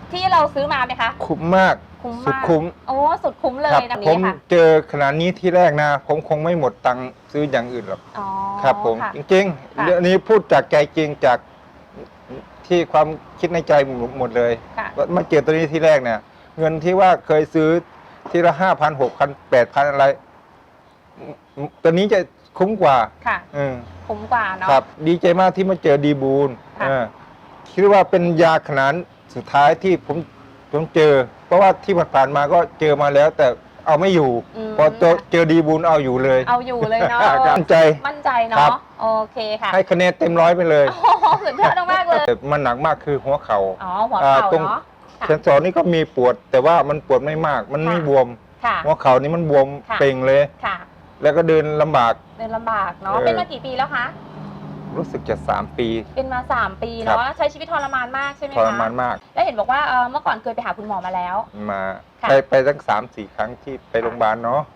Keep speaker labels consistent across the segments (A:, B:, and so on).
A: ที่เราซื้อมาไหมคะ
B: คุ้มมาก
A: คุ้ม
B: สุด
A: มาก
B: คุ้ม
A: โอ้สุดคุ้มเลยนะ
B: ผม
A: นี้ค่ะ
B: เจอขนาดนี้ที่แรกนะผมคงไม่หมดตังค์ซื้ออย่างอื่นหรอก
A: อ๋อ
B: ครับผม
A: ค่ะ
B: จริงๆเรื่องนี้พูดจากใจจริงจากที่ความคิดในใจหมดเลยว่ามาเจอตัวนี้ที่แรกเนี่ยเงินที่ว่าเคยซื้อทีละ5,000 6,000 8,000อะไรตัวนี้จะคุ้มกว่า
A: ค่ะคุ้มกว่าเนาะ
B: ครับดีใจมากที่มาเจอดีบูลคิดว่าเป็นยาขนาดสุดท้ายที่ผมเจอเพราะว่าที่ผ่านมาก็เจอมาแล้วแต่เอาไม่อยู่พอเจอดีบูลเอาอยู่เลย
A: เอาอยู่เลยเนาะ
B: มั่นใจ
A: เนาะโอเคค่ะ
B: ให้คะแนนเต็ม100ไปเลย
A: สุดยอดมากเลย
B: มันหนักมากคือหัวเข่า
A: หัวเข่า
B: ตรงเซนสอนนี่ก็มีปวดแต่ว่ามันปวดไม่มากมันไม่บวมหัวเข่านี่มันบวมเป่งเลยแล้วก็เดินลำบาก
A: เนาะเป็นมากี่ปีแล้วคะ
B: รู้สึกจะ3 ปี
A: เป็นมา3 ปีเนาะใช้ชีวิตทรมานมากใช่ไหมคะ
B: ทรมานมาก
A: แล้วเห็นบอกว่าเมื่อก่อนเคยไปหาคุณหมอมาแล้ว
B: ไปตั้ง3-4 ครั้งที่ไปโรงพยาบาลเนาะ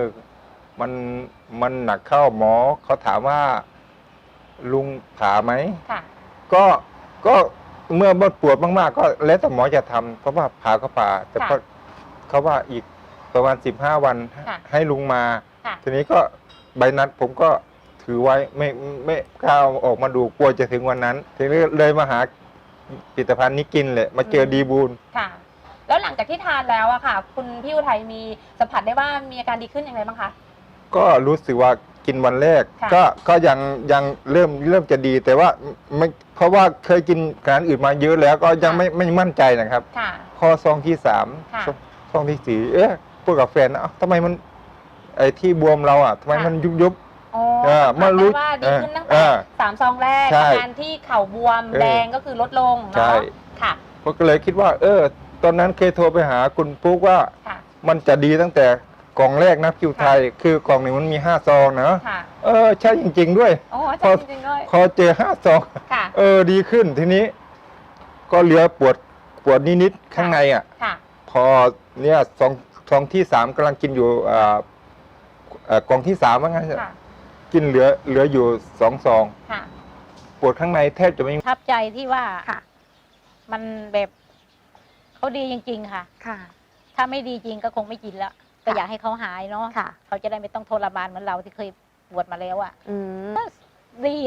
B: มันหนักเข้าหมอเขาถามว่าลุงผ่าไหมก็เมื่อปวดมากๆก็แล้วแต่หมอจะทำเพราะว่าผ่าก็ผ่าแต่เขาว่าอีกประมาณ15 วันให้ลุงมาทีนี้ก็ใบนัดผมก็ถือไว้ไม่กล้าออกมาดูกลัวจะถึงวันนั้นทีนี้เลยมาหาผลิตภัณฑ์นี้กินเลยมาเจอดีบูล
A: ค่ะแล้วหลังจากที่ทานแล้วอะค่ะคุณพี่อุทัยมีสัมผัสได้ว่ามีอาการดีขึ้นอย่างไรบ้างคะ
B: ก็รู้สึกว่ากินวันแรกก็ยังเริ่มจะดีแต่ว่าไม่เพราะว่าเคยกินอาหารอื่นมาเยอะแล้วก็ยังไม่มั่นใจนะครับข้อซองที่3ซองที่4พูดกับแฟนทำไมมันไอ้ที่บวมเราทำไมมันยุบ
A: มารู้ว่าดีขึ้นตั้งแต่3 ซองแรกอาการที่เข่าบวมแดงก็คือลดลงเนาะค่ะ
B: ผมก็เลยคิดว่าตอนนั้นเคยโทรไปหาคุณปุ๊กว่ามันจะดีตั้งแต่กล่องแรกนะคิวไทยคือกล่องหนึ่งมันมี5 ซองนะใช่จริงๆด้วยพอเจอ5 ซองดีขึ้นทีนี้ก็เหลือปวดนิดๆข้างในพอเนี่ยซองที่3กำลังกินอยู่กล่องที่3ว่างั้นกินเหลืออยู่2 ซองปวดข้างในแทบจะไม่
C: ประทับใจที่ว่ามันแบบเขาดีจริงๆค่ะถ้าไม่ดีจริงก็คงไม่กินแล้วก็อยากให้เขาหายเนาะเขาจะได้ไม่ต้องทรมานเหมือนเราที่เคยปวดมาแล้วดี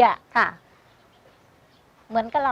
C: เหมือนกับเรา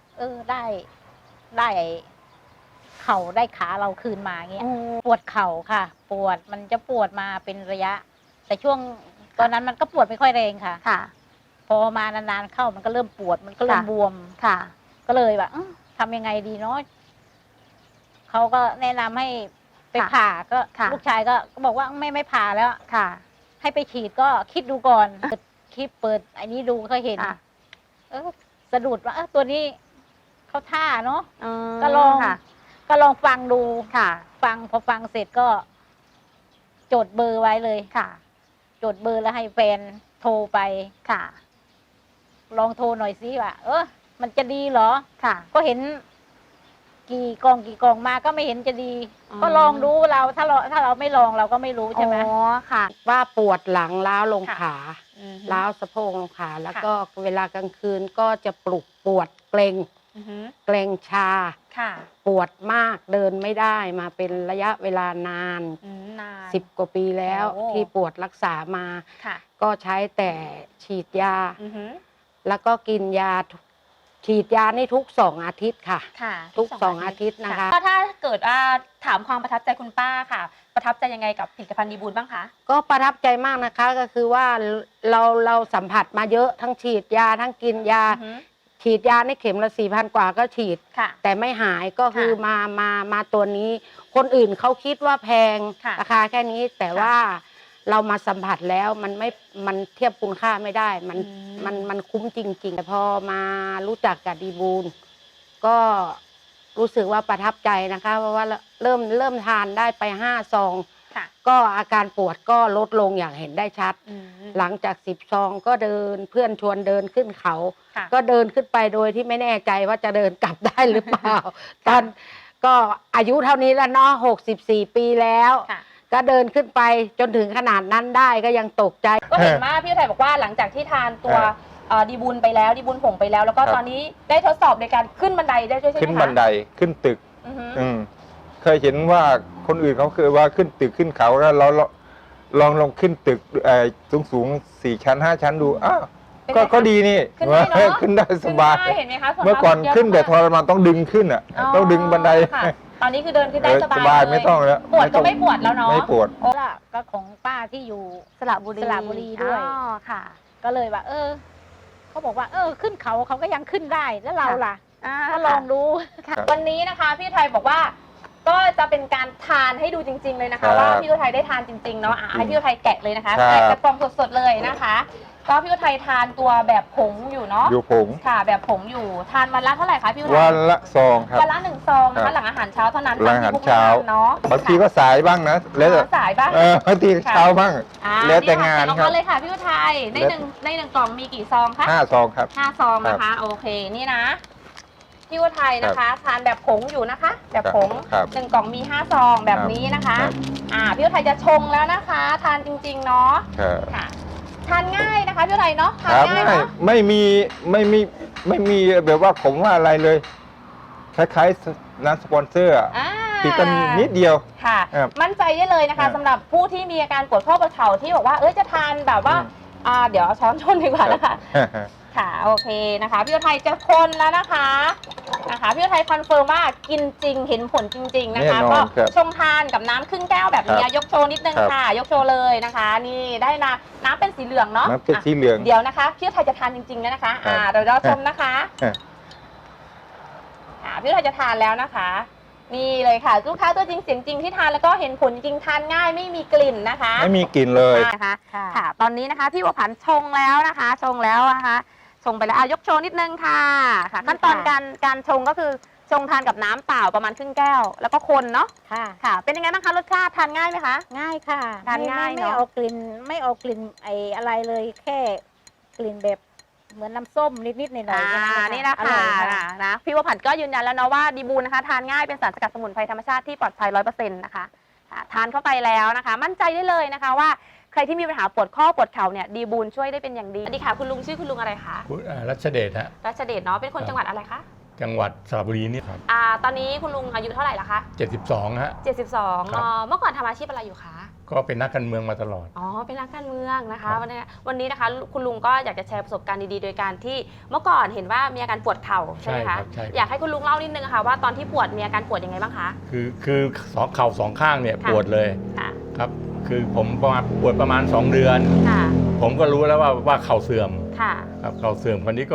C: ได้เข่าได้ขาเราคืนมาเงี้ยปวดเข่าค่ะปวดมันจะปวดมาเป็นระยะแต่ช่วงตอนนั้นมันก็ปวดไม่ค่อยแรงค่ะพอมานานๆเข้ามันก็เริ่มปวดมันก็เริ่มบวมก็เลยแบบทำยังไงดีเนาะเขาก็แนะนำให้ไปผ่าก็ลูกชายก็บอกว่าไม่ผ่าแล้วให้ไปฉีดก็คิดดูก่อนเปิดไอ้นี้ดูก็เห็นสะดุดว่าตัวนี้เขาท่าเนาะก็ลองฟังดูฟังพอฟังเสร็จก็จดเบอร์ไว้เลยจดเบอร์แล้วให้แฟนโทรไปลองโทรหน่อยสิว่ามันจะดีเหรอก็เห็นกี่กล่องมาก็ไม่เห็นจะดีก็ลองดูเราถ้าเราไม่ลองเราก็ไม่รู้ใช่ไหม
D: ว่าปวดหลังล้าวลงขาล้าวสะโพกลงขาแล้วก็เวลากลางคืนก็จะปวดเกร็งชาปวดมากเดินไม่ได้มาเป็นระยะเวลานาน10 กว่าปีแล้วที่ปวดรักษามาก็ใช้แต่ฉีดยาแล้วก็กินยาฉีดยานี่ทุก2 อาทิตย์ค่ะทุก2 อาทิตย์นะคะ
A: ถ้าเกิดถามความประทับใจคุณป้าค่ะประทับใจยังไงกับผลิตภัณฑ์ดีบูลบ้างคะ
D: ก็ประทับใจมากนะคะก็คือว่าเราสัมผัสมาเยอะทั้งฉีดยาทั้งกินยาฉีดยาในเข็มละ4,000 กว่าก็ฉีดแต่ไม่หายก็คือมาตัวนี้คนอื่นเขาคิดว่าแพงราคาแค่นี้แต่ว่าเรามาสัมผัสแล้วมันเทียบคุณค่าไม่ได้มันคุ้มจริงๆแต่พอมารู้จักกับดีบูลก็รู้สึกว่าประทับใจนะคะเพราะว่าเริ่มทานได้ไป5 ซองก็อาการปวดก็ลดลงอย่างเห็นได้ชัดหลังจาก10 ซองก็เดินเพื่อนชวนเดินขึ้นเขาก็เดินขึ้นไปโดยที่ไม่แน่ใจว่าจะเดินกลับได้หรือเปล่าตอนก็อายุเท่านี้แล้วเนาะ64 ปีแล้วก็เดินขึ้นไปจนถึงขนาดนั้นได้ก็ยังตกใจ
A: ก็เห็นว่าพี่อุทัยบอกว่าหลังจากที่ทานตัวดีบูลไปแล้วดีบูลผงไปแล้วแล้วก็ตอนนี้ได้ทดสอบในการขึ้นบันไดได้ด้วยใช่ไหมคะ
B: ขึ้นบันไดขึ้นตึกเคยเห็นว่าคนอื่นเขาเคยว่าขึ้นตึกขึ้นเขาแล้วเราลองขึ้นตึกสูง4 ชั้น 5 ชั้นดูอ้าวก็ดีนี่ขึ้นได้สบาย
A: เห็นไหมคะ
B: เมื่อก่อนขึ้นแต่ทรมานต้องดึงขึ้นอ่ะต้องดึงบันได
A: ตอนนี้คือเดินขึ้นได้สบาย
B: ไม่ต้องแล้ว
A: ปวดก็ไม่ปวดแล้วเนาะ
B: ไม่ปวด
C: ก็ของป้าที่อยู่สระบุรีด้วย
A: ค่ะ
C: ก็เลยว่าเขาบอกว่าขึ้นเขาก็ยังขึ้นได้แล้วเราล่ะก็ลองดู
A: วันนี้นะคะพี่ไทยบอกว่าก็จะเป็นการทานให้ดูจริงๆเลยนะคะว่าพี่ไทยได้ทานจริงๆเนาะให้พี่ไทยแกะเลยนะคะแกะกระป๋องสดๆเลยนะคะก็พี่ไทยทานตัวแบบผงอยู่เนาะ
B: อยู่ผง
A: ค่ะแบบผงอยู่ทานวันละเท่าไหร่คะพี่ไทย
B: วันละซองครับ
A: วันละ1 ซองนะคะหลังอาหารเช้าเท่านั้น
B: หลังอาหารเช้า
A: เนาะ
B: บางทีก็สายบ้างนะแล้ว
A: สายบ้าง
B: บางทีเช้าบ้างแล้วแต่งาน
A: ครับเลยค่ะพี่ไทยในหนึ่งกล่องมีกี่ซองคะ
B: 5 ซองครับ
A: 5 ซองนะคะโอเคนี่นะพี่ไทยนะคะทานแบบผงอยู่นะคะแบบผง1 กล่องมี5 ซองแบบนี้นะคะพี่ไทยจะชงแล้วนะคะทานจริงๆเนาะค่ะทานง่ายนะคะพี่ไทยเนาะทานง่ายเนาะ
B: ไม่มีแบบว่าผมว่าอะไรเลยคล้ายๆน้ำสปอนเซอร์ติดกันนิดเดียว
A: ค่ะมั่นใจได้เลยนะคะสำหรับผู้ที่มีอาการปวดข้อปวดเข่าที่บอกว่าจะทานแบบว่าเดี๋ยวช้อนชนดีกว่านะคะค่ะโอเคนะคะพี่ไทยจะคนแล้วนะคะพี่ไทยคอนเฟิร์มว่ากินจริงเห็นผลจริงๆนะคะก็ชงทานกับน้ำครึ่งแก้วแบบนี้ยกโชว์นิดนึงค่ะยกโชว์เลยนะคะนี่ได้น้ำเป็นสีเหลืองเนาะ
B: น้ำเป็นสีเหลือง
A: เดี๋ยวนะคะพี่ไทยจะทานจริงๆแล้วนะคะเดี๋ยวเราชมนะคะพี่ไทยจะทานแล้วนะคะนี่เลยค่ะลูกค้าตัวจริงเสียงจริงที่ทานแล้วก็เห็นผลจริงทานง่ายไม่มีกลิ่นนะคะ
B: ไม่มีกลิ่นเลย
A: นะคะค่ะตอนนี้นะคะพี่บัวผันชงแล้วนะคะชงแล้วนะคะชงไปแล้วยกโชว์นิดนึงค่ะขั้นตอนการชงก็คือชงทานกับน้ำเปล่าประมาณครึ่งแก้วแล้วก็คนเนาะค่ะเป็นยังไงบ้างคะรสชาติทานง่ายไหมคะ
C: ง่ายค่ะ
A: ทานง่าย
C: ไม่เอากลิ่นอะไรเลยแค่กลิ่นแบบเหมือนน้ำส้มนิดๆหน่อย
A: ๆนี่นะคะนะพี่บัวผันก็ยืนยันแล้วเนาะว่าดีบูนนะคะทานง่ายเป็นสารสกัดสมุนไพรธรรมชาติที่ปลอดภัย 100% นะคะทานเข้าไปแล้วนะคะมั่นใจได้เลยนะคะว่าใครที่มีปัญหาปวดข้อปวดเข่าเนี่ยดีบูนช่วยได้เป็นอย่างดีสวัสดีค่ะคุณลุงชื่อคุณลุงอะไรคะ
E: รัชเดชฮะ
A: รัชเดชเนาะเป็นคนจังหวัดอะไรคะ
E: จังหวัดสระบุรีนี่ครับ
A: ตอนนี้คุณลุงอายุเท่าไหร่ละคะ
E: 72ฮะ
A: 72เมื่อก่อนทำอาชีพอะไรอยู่คะ
E: ก็เป็นนักการเมืองมาตลอด
A: เป็นนักการเมืองนะคะวันนี้นะคะคุณลุงก็อยากจะแชร์ประสบการณ์ดีๆโดยการที่เมื่อก่อนเห็นว่ามีอาการปวดเข่าใช่ไหมคะอยากให้คุณลุงเล่านิดนึงค่ะว่าตอนที่ปวดมีอาการปวดยังไงบ้างคะ
E: คือเข่า2 ข้างเนี่ยปวดเลยครับคือผมปวดประมาณ2 เดือนผมก็รู้แล้วว่าเข่าเสื่อมครับเข่าเสื่อมคนนี้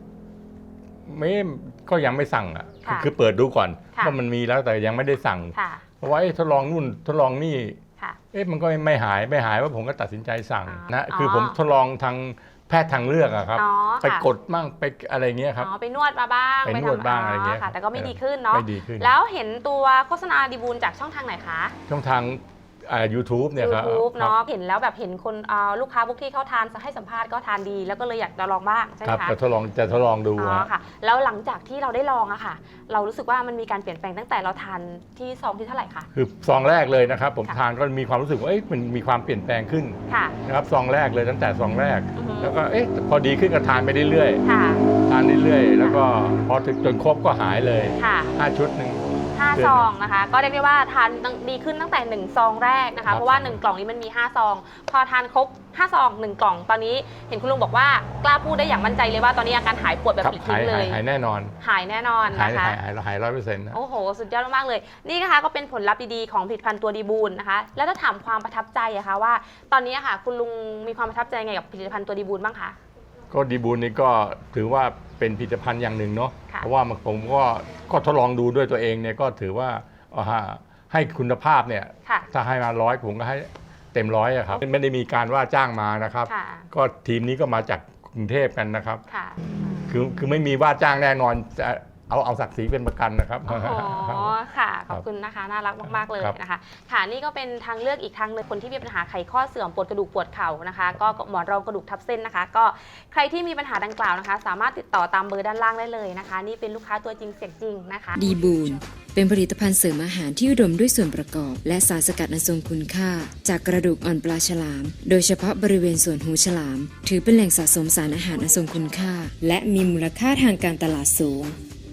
E: ก็ยังไม่สั่งคือเปิดดูก่อนว่ามันมีแล้วแต่ยังไม่ได้สั่งเพราะว่าทดลองนู่นทดลองนี่มันก็ไม่หายว่าผมก็ตัดสินใจสั่งนะคือผมทดลองทางแพทย์ทางเลือกครับไปกดมั่งไปอะไรเงี้ยครับ
A: ไปนวดมาบ้าง
E: ไปนวดบ้างอะไรเงี้ย
A: แต่ก็ไม่ดีขึ้นเนาะแล้วเห็นตัวโฆษณาดีบูลจากช่องทางไหนคะ
E: ช่องทางYouTube เนี่ยครับ
A: YouTube เนาะเห็นแล้วแบบเห็นคนลูกค้าพวกที่เขาทานให้สัมภาษณ์ก็ทานดีแล้วก็เลยอยากจะลองบ้างใช่ไหมคะ
E: จะทดลองดู
A: ค่ะแล้วหลังจากที่เราได้ลองอะค่ะเรารู้สึกว่ามันมีการเปลี่ยนแปลงตั้งแต่เราทานที่ซองที่เท่าไหร่คะ
E: คือซองแรกเลยนะครับผมทานก็มีความรู้สึกว่ามันมีความเปลี่ยนแปลงขึ้นนะครับซองแรกเลยตั้งแต่ซองแรกแล้วก็พอดีขึ้นก็ทานไปเรื่อยๆทานเรื่อยๆแล้วก็พอถึงจนครบก็หายเลย5 ชุดนึง
A: 5 ซองนะคะก็เรียกได้ว่าทานดีขึ้นตั้งแต่1 ซองแรกนะคะเพราะว่า1 กล่องนี้มันมี5 ซองพอทานครบ5 ซอง1 กล่องตอนนี้เห็นคุณลุงบอกว่ากล้าพูดได้อย่างมั่นใจเลยว่าตอนนี้อาการหายปวดแบบปลิดทิ้งเลย
E: หายแน่นอน
A: นะคะ
E: หาย 100% นะ
A: โอ้โหสุดยอดมากๆเลยนี่นะคะก็เป็นผลลัพธ์ดีๆของผลิตภัณฑ์ตัวดีบูลนะคะแล้วถ้าถามความประทับใจอะคะว่าตอนนี้ค่ะคุณลุงมีความประทับใจไงกับผลิตภัณฑ์ตัวดีบูลบ้างคะ
E: ก็ดีบูลนี่ก็ถือว่าเป็นผลิตภัณฑ์อย่างหนึ่งเนาะเพราะว่าผมก็ทดลองดูด้วยตัวเองเนี่ยก็ถือว่าให้คุณภาพเนี่ยถ้าให้มา100ผมก็ให้เต็ม100ครับไม่ได้มีการว่าจ้างมานะครับก็ทีมนี้ก็มาจากกรุงเทพกันนะครับคือไม่มีว่าจ้างแน่นอนจะเอาศักดิ์ศรีเป็นประกันนะครับ
A: อ๋อค่ะขอบคุณนะคะน่ารักมากๆเลยนะคะค่ะนี่ก็เป็นทางเลือกอีกทางหนึ่งคนที่มีปัญหาไขข้อเสื่อมปวดกระดูกปวดเข่านะคะก็หมอนรองกระดูกทับเส้นนะคะก็ใครที่มีปัญหาดังกล่าวนะคะสามารถติดต่อตามเบอร์ด้านล่างได้เลยนะคะนี่เป็นลูกค้าตัวจริงเสียงจริงนะคะ
F: ดีบูลเป็นผลิตภัณฑ์เสริมอาหารที่อุดมด้วยส่วนประกอบและสารสกัดอันทรงคุณค่าจากกระดูกอ่อนปลาฉลามโดยเฉพาะบริเวณส่วนหูฉลามถือเป็นแหล่งสะสมสารอาหารอันทรงคุณค่าและมีมูลค่าทางการตลาดสูงผ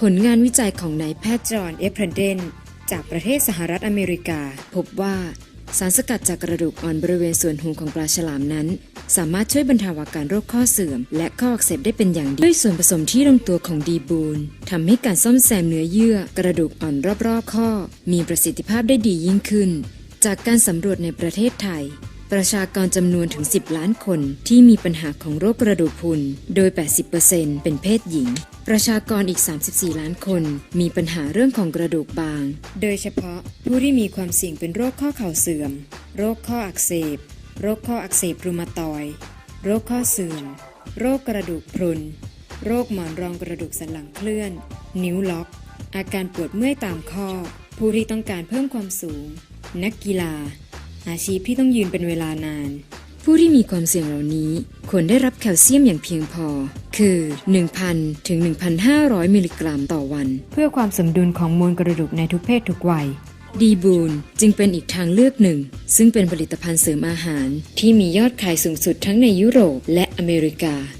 F: ผลงานวิจัยของนายแพทย์จอห์น เอฟเพรเดนจากประเทศสหรัฐอเมริกาพบว่าสารสกัดจากกระดูกอ่อนบริเวณส่วนหูของปลาฉลามนั้นสามารถช่วยบรรเทาอาการโรคข้อเสื่อมและข้ออักเสบได้เป็นอย่างดีด้วยส่วนผสมที่ลงตัวของดีบูนทำให้การซ่อมแซมเนื้อเยื่อกระดูกอ่อนรอบๆข้อมีประสิทธิภาพได้ดียิ่งขึ้นจากการสำรวจในประเทศไทยประชากรจำนวนถึง10 ล้านคนที่มีปัญหาของโรคกระดูกพรุนโดย 80% เป็นเพศหญิงประชากรอีก34 ล้านคนมีปัญหาเรื่องของกระดูกบางโดยเฉพาะผู้ที่มีความเสี่ยงเป็นโรคข้อเข่าเสื่อมโรคข้ออักเสบโรคข้ออักเสบรูมาตอยด์โรคข้อเสื่อมโรคกระดูกพรุนโรคหมอนรองกระดูกสันหลังเคลื่อนนิ้วล็อกอาการปวดเมื่อยตามข้อผู้ที่ต้องการเพิ่มความสูงนักกีฬาอาชีพที่ต้องยืนเป็นเวลานานผู้ที่มีความเสี่ยงเหล่านี้ควรได้รับแคลเซียมอย่างเพียงพอคือ 1,000 ถึง 1,500 มิลลิกรัมต่อวันเพื่อความสมดุลของมวลกระดูกในทุกเพศทุกวัยดีบูนจึงเป็นอีกทางเลือกหนึ่งซึ่งเป็นผลิตภัณฑ์เสริมอาหารที่มียอดขายสูงสุดทั้งในยุโรปและอเมริกา